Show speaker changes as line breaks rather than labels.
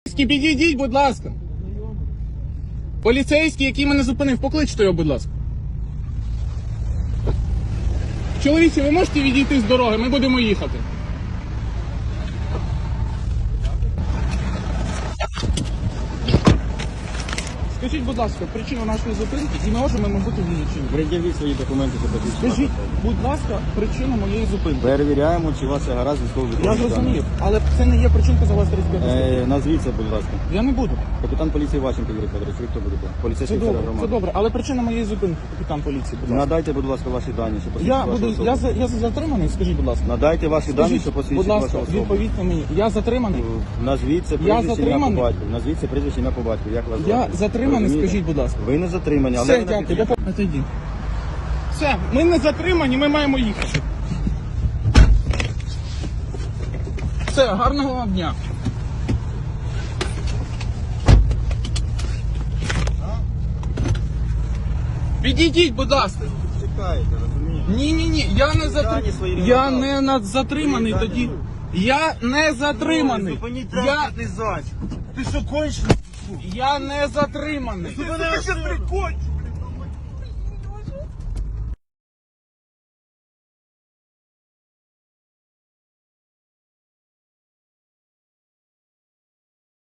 Підійдіть, будь ласка. Поліцейський, який мене зупинив, покличте його, будь ласка. Чоловіче, ви можете відійти з дороги? Ми будемо їхати. Скажіть, будь ласка, причину нашої зупинки і ми можемо, мабуть, вилучити.
Пред'явіть свої документи, що посвідчують.
Скажіть, будь ласка, причину моєї зупинки.
Перевіряємо, чи у вас все гаразд військовий
Я зрозумів, але це не є причинка за вас 35
Назвіться, будь ласка.
Я не буду.
Капітан поліції Ващенко Юрій Федорович, ви хто будете?
Це
Поліцейський офіцер
добре, це
громади.
добре. Але причина моєї зупинки, капітан поліції, будь ласка.
Надайте, будь ласка, ваші дані, що
Я
посвідчують вашу
буду,
особу.
я затриманий, скажіть, будь ласка.
Надайте ваші дані,
Скажіть,
що
будь
посвідчують
ласка,
вашу особу.
відповідьте мені. Я затриманий.
Назвіть це
Я
прізвище, ім'я по
затриманий.
батьку. Назвіть це прізвище, ім'я по батьку. Як вас
Я
звати?
затриманий,
Розумієте?
скажіть, будь ласка.
Ви не затримані, але
Все,
ви
дякую.
напишіть.
Отойди. Все, ми не затримані, ми маємо їхати. Все, гарного вам дня. Підійдіть, будь ласка.
Чекайте, розумієте?
Ні, я не
Дані свої не
Я
надали.
не затриманий
Свої
тоді.
дані.
Я не затриманий.
Зупиніть
Я,
транспортний засіб. Ти що, кончений?
я не затриманий.
Ти мене прикончиш.